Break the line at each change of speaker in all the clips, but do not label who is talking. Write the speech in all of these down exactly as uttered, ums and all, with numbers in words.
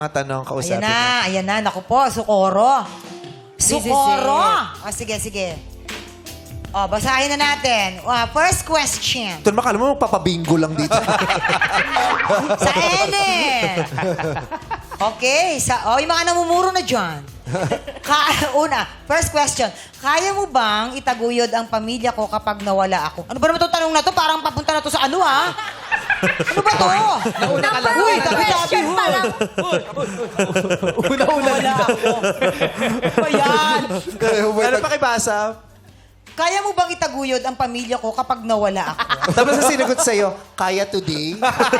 Mga tanong
Ayan
kausapin
na,
natin.
ayan na. Naku po, Sukoro. Sukoro. O, sige, sige. O, basahin na natin. Uh, first question.
Ito naman, kala mo magpapabingo lang dito.
Sa Ene. Okay. Sa, o, yung mga namumuro na dyan. Ka una, first question. Kaya mo bang itaguyod ang pamilya ko kapag nawala ako? Ano ba naman itong tanong na to? Parang papunta na to sa ano, ha? Ano ba to?
Nauna ka lang.
Uy, tabi-tabi, huy.
Una-una
Wala ako. Ano ba yan?
Ano pa kibasa?
Kaya mo bang itaguyod ang pamilya ko kapag nawala ako?
Tapos ang sinagot sa'yo, kaya today?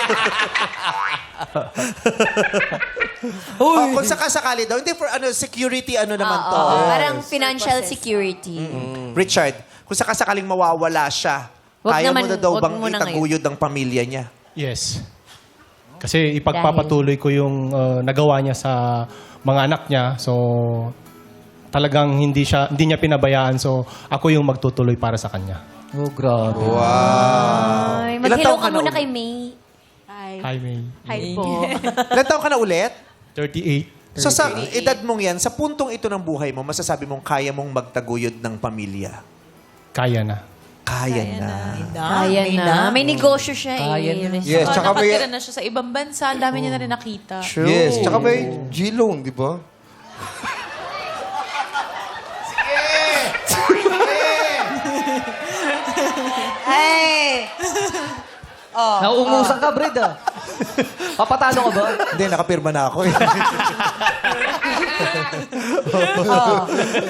Oh, kung sakasakali daw, hindi for ano security ano naman to.
Ah,
Oo, parang financial security.
Richard, kung sakasakaling mawawala siya,
Wag
kaya
naman-
mo na daw
wag
bang
mo na
itaguyod ang pamilya niya?
Yes. Kasi ipagpapatuloy ko yung uh, nagawa niya sa mga anak niya. So, talagang hindi siya hindi niya pinabayaan. So, ako yung magtutuloy para sa kanya.
Oh, grabe.
Ay,
Ilan
mag-hello
taon
ka
ka na
muna
ulit?
kay May.
Hi, May.
Hi po.
Ilan taon ka na ulit?
thirty-eight.
So sa edad mong yan, sa puntong ito ng buhay mo, masasabi mong kaya mong magtaguyod ng pamilya.
Kaya na.
Kaya, na.
Kaya
may
na. May negosyo siya
Kaya
eh.
na.
Yes,
Oh,
tsaka may...
nakatira na siya sa ibang bansa. Ang dami niya na rin nakita.
True.
Yes, tsaka may G-loan, di ba?
Hey! Oh,
Nauungusan ka, Bred, ah. Papatalo ka ba?
Hindi, nakapirma na ako eh.
oh.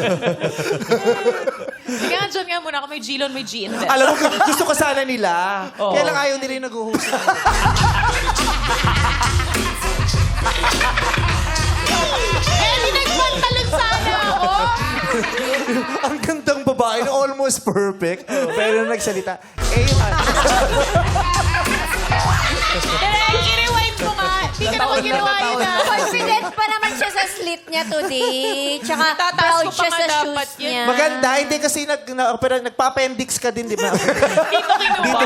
Sige nga, dyan nga muna ako. May G-loan, may G-invest.
Alam mo, gusto ko sana nila. Kaya lang ayaw nila yung nag-host.
Eh, di nagpantalon sana ako.
Ang gandang babae na almost perfect. Pero nung nagsalita, eh, yung ano.
Eh, i-rewind mo nga. Di ka naman ginawa yun ah.
Confident pa naman siya sa slit niya today. Tsaka
Tataas
proud
ko pa
siya
nga
sa
dapat
shoes
yan.
niya.
Maganda, hindi kasi nag, na, pero nagpapa-M D X ka din, di ba?
Dito kinuha.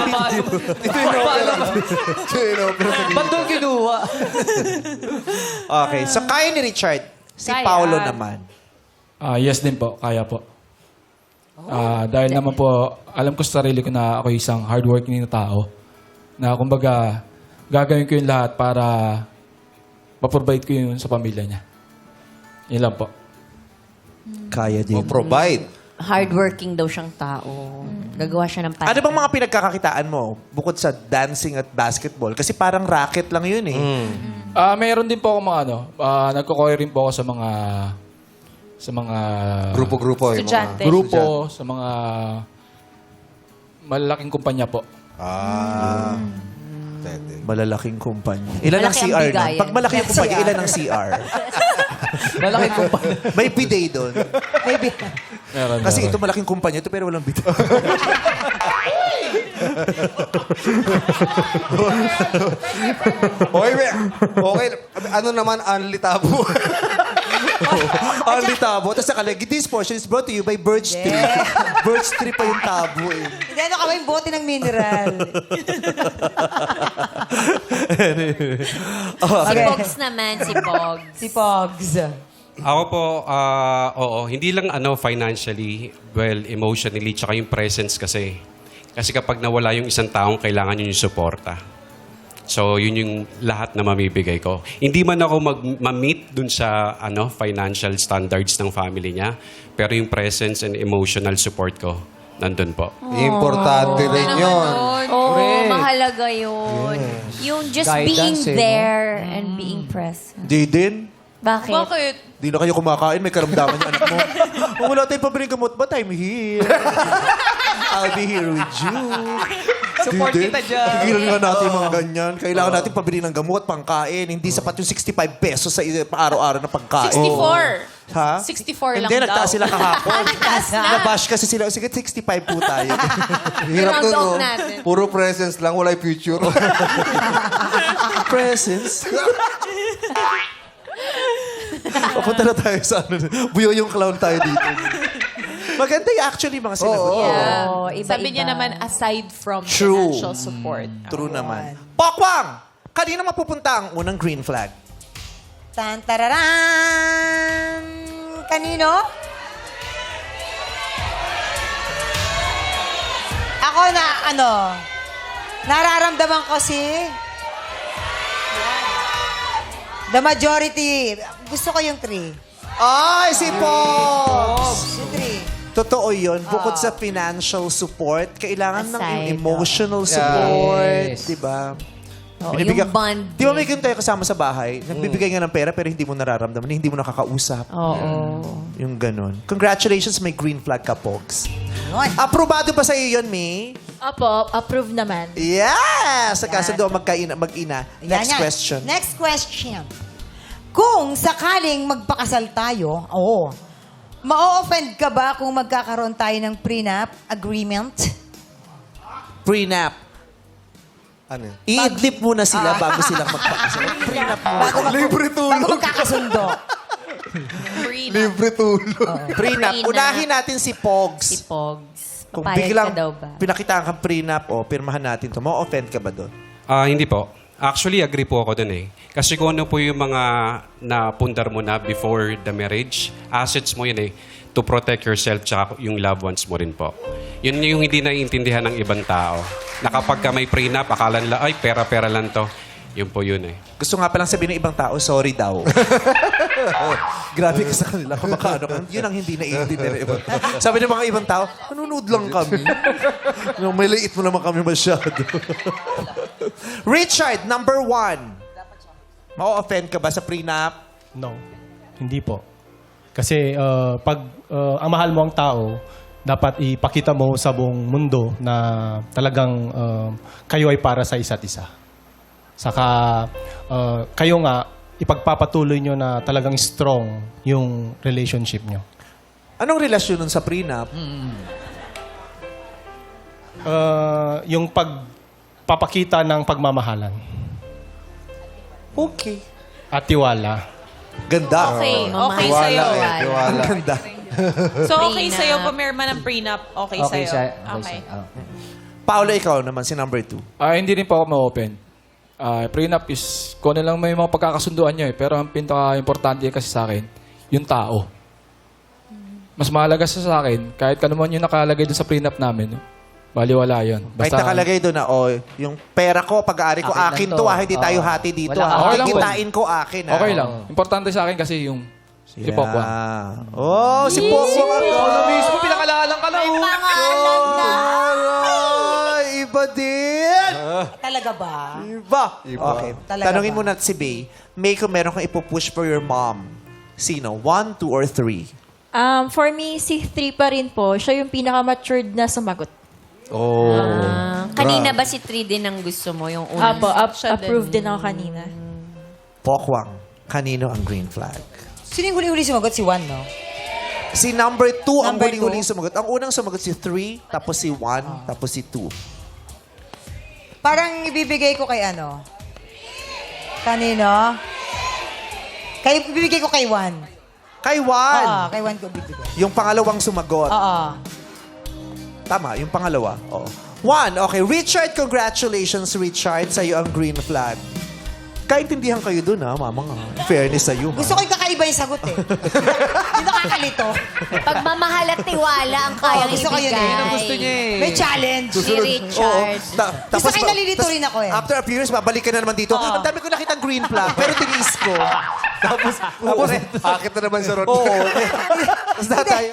Sino? Pero sa
Ba't doon kinuha?
Okay, so kaya ni Richard. Si
Kaya.
Paolo naman.
Ah, yes din po, kaya po. Ah, dahil naman po, alam ko sa sarili ko na ako isang hardworking na tao. Na kumbaga, gagawin ko yung lahat para ma-provide ko yun sa pamilya niya. Yun lang po.
Kaya din.
provide.
Hardworking daw siyang tao. Gagawa siya ng
Ano bang mga pinagkakakitaan mo bukod sa dancing at basketball? Kasi parang racket lang yun eh.
Ah, mayroon din po ako mga ano, ah, nagko-choir rin po ako sa mga sa mga
Grupo-grupo. yung mga-
Estudyante.
grupo, sa mga malalaking kumpanya po.
Ah. Pwede.
Malalaking kumpanya. Ilan ang
Malaki
C
ang
R na?
bigayan.
Pag malaki ang kumpanya, ilan ang C R?
Malaki ko pa.
May bidet doon.
Maybe.
Meron,
Kasi
meron.
ito malaking kumpanya ito pero walang bidet.
Okay, may, okay. Ano naman, Anli Tabo?
Only tabo. Tapos nakalagay, this portion is brought to you by Birch Tree. Birch Tree pa yung tabo eh.
Hindi, ano ka ba yung bote ng mineral?
Si Pogs naman, si Pogs.
Si Pogs.
Ako po, ah, oo, hindi lang ano financially, well, emotionally, tsaka yung presence kasi. Kasi kapag nawala yung isang taong, kailangan yun yung suporta. So, yun yung lahat na mamibigay ko. Hindi man ako mag- ma-meet dun sa ano, financial standards ng family niya, pero yung presence and emotional support ko, nandun po.
Importante rin yun.
Oo, mahalaga yun. Yung just
Guidance
being
eh, no?
there and being present.
Di din.
Bakit?
Bakit?
Di na kayo kumakain, may karamdaman yung anak mo. Kung wala tayong pabiling gamot, but I'm here. I'll be here with you.
Support
Di din.
kita dyan.
Tigilan nga natin yung mga ganyan. Kailangan natin pabili ng gamot, pangkain. Hindi sapat yung sixty-five pesos sa araw-araw na pagkain.
sixty-four.
Ha?
sixty-four lang
Hindi,
daw.
nagtaas sila kahapon.
Nagtaas na.
Nabash kasi sila. Sige, sixty-five po tayo.
Hirap
Round
nun,
off
no?
natin.
Puro presence lang, wala yung future.
Presents. Papunta na tayo sa ano. Buyo yung clown tayo dito. Maganda yung actually mga sinagot.
Oo.
Yeah.
Oo, iba-iba.
Sabi niya naman, aside from
True.
financial support.
True naman. Pokwang! Kanina mapupunta ang unang green flag?
Tan tararan! Kanino? Ako na, ano, nararamdaman ko si... The majority. Gusto ko yung three.
Ay, si Pops!
Yung three.
Totoo yun. Bukod sa financial support, kailangan ng
Aside,
yung emotional support.
Yes.
Diba?
Oo,
Binibigyan-
yung bonding.
Di ba may ganun tayo kasama sa bahay? Nagbibigay nga ng pera pero hindi mo nararamdaman, hindi mo nakakausap.
Oo.
Yung ganun. Congratulations, may green flag ka, Pogs.
Yun.
Aprobado ba sa iyo yun, May?
Opo, approve naman.
Yes! Sa kaso doon magkaina, mag-ina.
Yan,
Next
yan.
question.
Next question. Kung sakaling magpakasal tayo, oo, ma-offend ka ba kung magkakaroon tayo ng prenup agreement?
Prenup.
Ano yun?
I-idlip muna sila bago sila magpakasal. Prenup mo.
Bago, mag-
Libre tulog.
bago magkakasundo.
Libre tulog.
Prenup.
Prenup.
Unahin natin si Pogs.
Si Pogs.
Kung
Papayag
biglang
ka daw ba?
pinakitaan kang prenup, o pirmahan natin to, ma-offend ka ba doon?
Ah, hindi po. Actually, agree po ako dun eh. Kasi kung ano po yung mga napundar mo na before the marriage, assets mo yun eh, to protect yourself tsaka yung loved ones mo rin po. Yun yung hindi naiintindihan ng ibang tao. Na kapag ka may prenup, akala nila, ay, pera-pera lang to. Yun po yun eh.
Gusto nga palang sabihin ng ibang tao, sorry daw. Grabe ka sa kanila. Kung baka ano ka, yun ang hindi naiintindihan ng ibang tao. Sabi ng mga ibang tao, nanonood lang kami. No, may liit mo naman kami masyado. Richard, number one. Ma-offend ka ba sa prenup?
No, hindi po. Kasi uh, pag uh, ang mahal mo ang tao, dapat ipakita mo sa buong mundo na talagang uh, kayo ay para sa isa't isa. Saka uh, kayo nga, ipagpapatuloy nyo na talagang strong yung relationship nyo.
Anong relasyon nun sa prenup?
Uh, yung pagpapakita ng pagmamahalan
Okay.
at tiwala.
Ganda.
Okay, okay
Wala
sa'yo.
eh.
Ang
Wala.
ganda.
So, okay
Prenup.
sa'yo, pumirma ng prenup, okay,
Okay
sa'yo.
siya.
Okay.
Okay siya. Oh.
Paolo, ikaw naman, si number two.
Ah, hindi rin po ako ma-open. Ah, prenup is, kung ano lang may mga pagkakasunduan nyo eh. Pero ang pinaka-importante kasi sa akin, yung tao. Mas mahalaga sa sa akin, kahit kano man yung nakalagay doon sa prenup namin, no? Baliwala yun.
Kahit nakalagay doon na, oh, yung pera ko, pag-aari ko,
Akin
akin
lang
to,
to.
ah, hindi tayo
Oo.
hati dito.
Wala
ah.
kang
Okay lang po.
Kikitain ko, akin. ah.
Okay lang. Importante sa akin kasi yung si
Yeah.
Pokwa.
Oh, si Pokwa.
Ikaw na mismo, pinakalalang ka na.
May
oh.
pangalan na.
Ay, iba din.
Talaga ba?
Iba. Okay.
Talaga
Tanungin
ba?
mo na si Bay. May kung meron kang ipupush for your mom. Sino? One, two, or three?
Um, for me, si three pa rin po. Siya yung pinaka-matured na sumagot.
Oh.
Ah, kanina ba si three din ang gusto mo? Yung unang?
Apo, up,
Siya din.
approved din ako kanina.
Pokwang. Kanino ang green flag?
Sino yung huli-huli sumagot? Si Juan, no?
Si number two ang
Number
huling-huling
two?
sumagot. Ang unang sumagot si three, tapos si one, tapos si two.
Parang ibibigay ko kay ano? Kanino? Kay, ibibigay ko kay Juan.
Kay
Oo,
one.
kay Juan ko bibigay.
Yung pangalawang sumagot.
Oo.
Tama, yung pangalawa. Oo. One, okay. Richard, congratulations, Richard. Sa'yo ang green flag. Kaintindihan kayo dun, ha, mama nga. Fairness sa'yo, ha?
Gusto ko yung kakaiba yung sagot eh. Yung nakakalito.
Pagmamahal at tiwala ang kayang
Oo, gusto ko yun
ibigay.
eh. Yun
ang gusto niya eh.
May challenge.
Si Richard.
Ta-
Gusto kayo
ba-
nalilito
tas-
rin ako eh.
After a few years, babalik ka na naman dito. Ang dami ko nakitang green flag, pero tinis ko.
Tapos, tapos, akit na naman sa road.
Oo. Tapos na tayo.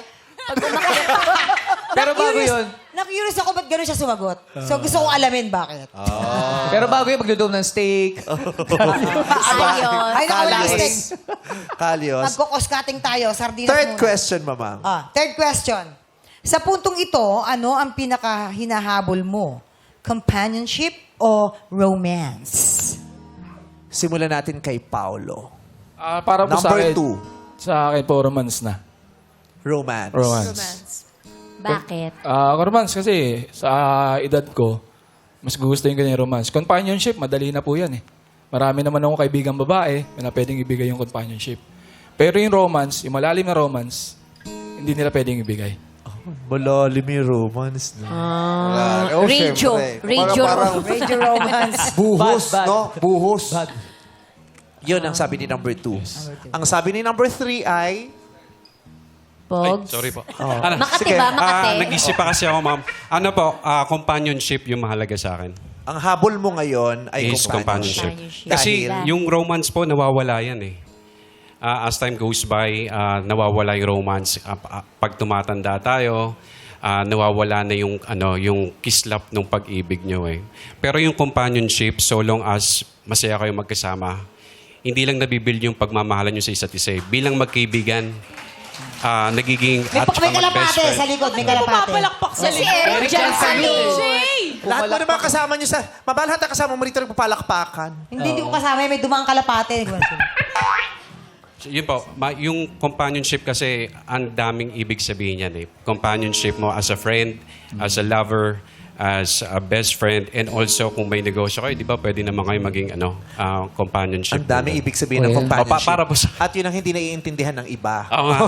Pero bago
Na-curious-
yun.
Na-curious ako ba't gano'n siya sumagot. So gusto ko alamin bakit.
Pero bago yun, magluto ng steak.
Ayos.
Ay, nakawalang
Kalyos.
steak.
Kalyos.
Magkukos-cutting tayo. Sardinas
Third
muna.
question, mama.
Ah, third question. Sa puntong ito, ano ang pinaka-hinahabol mo? Companionship o romance?
Simulan natin kay Paolo.
Ah, para po sa
Number
akin,
two,
sa akin po, romance na.
romance.
Romance.
Bakit?
Ah, romance kasi sa edad ko, mas gugustuhin ko na yung romance. Companionship, madali na po yan eh. Marami naman akong kaibigang babae na pwedeng ibigay yung companionship. Pero yung romance, yung malalim na romance, hindi nila pwedeng ibigay.
Malalim yung romance. No?
Ah,
Oh,
radio.
syempre.
Radio.
Parang,
Radio romance.
buhos,
Bad, bad.
no? Buhos.
Yun ang sabi ni number two. Ang sabi ni number three ay...
Ay,
Pogs.
sorry po.
Oh.
Makati
Sige.
ba? Makati?
Ah, nag-isip pa kasi ako, ma'am. Ano po, ah, companionship yung mahalaga sa akin.
Ang habol mo ngayon ay
Is
companionship.
companionship. Kasi
Dahil-
yung romance po, nawawala yan eh. Ah, as time goes by, ah, nawawala yung romance. Ah, ah, pag tumatanda tayo, ah, nawawala na yung, ano, yung kislap ng pag-ibig nyo eh. Pero yung companionship, so long as masaya kayo magkasama, hindi lang nabibuild yung pagmamahalan nyo sa isa't isa. eh. Bilang magkaibigan, ah, nagiging
May,
at
pa-
saka
may
mag-best
kalapate
friend.
sa likod, may kalapate.
Papalakpak sa
Si Eric dyan sa
Lahat mo naman kasama nyo sa... Mabal lahat na kasama mo rito nagpapalakpakan.
Hindi, hindi ko kasama. May dumaang kalapate.
Yun po, ma- yung companionship kasi, ang daming ibig sabihin yan eh. Companionship mo as a friend, as a lover, as a best friend, and also kung may negosyo kayo, di ba pwede naman kayo maging ano, ah, companionship.
Ang daming ibig sabihin ng
Well,
companionship.
O, pa- para po sa-
At yun ang hindi naiintindihan ng iba.
Oo nga.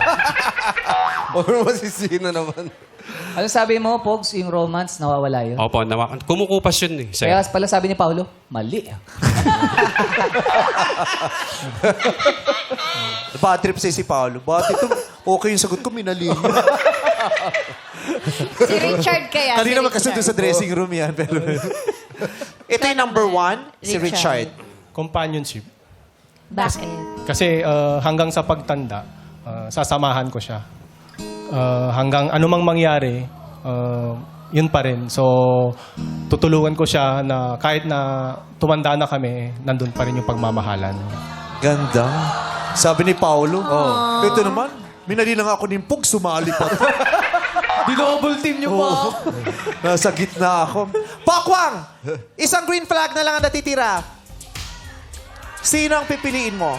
Or masisino naman.
Ano sabi mo, Pogs, yung romance, nawawala yun?
Opo, nawa- kumukupas yun eh.
Kaya
Sa'yo.
pala sabi ni Paolo, mali.
Bad trip sa'yo si Paolo. Bakit ito? Okay yung sagot ko, minali niya.
Si Richard kaya.
Kanina
si
magkasundo
Richard.
sa dressing room yan. Pero... Ito yung number one, si Richard.
Companionship.
Bakit?
Kasi uh, hanggang sa pagtanda, uh, sasamahan ko siya. Uh, hanggang anumang mangyari, uh, yun pa rin. So, tutulungan ko siya na kahit na tumanda na kami, nandun pa rin yung pagmamahalan.
Ganda. Sabi ni Paolo. Oh. Ito naman, minali lang ako ng pug, sumali pa.
Dinouble team niyo pa.
Nasa gitna ako. Pakwang! Isang green flag na lang ang natitira. Sino ang pipiliin mo?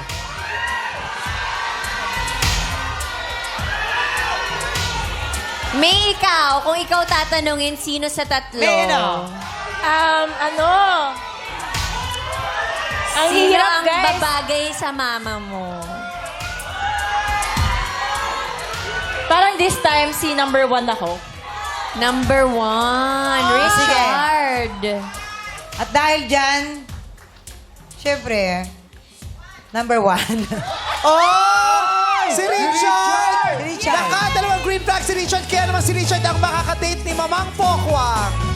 May ikaw, kung ikaw tatanungin, sino sa tatlo?
May ano?
Um, ano? Ang
Sino
hirap,
ang
guys.
babagay sa mama mo?
Parang this time, si number one ako.
Number one, Richard.
At dahil dyan, syempre, number one.
Oh! Si Richard!
Si Richard.
Nakadalawang green flag si Richard. Kaya naman si Richard ang makakadate ni Mamang Pokwang.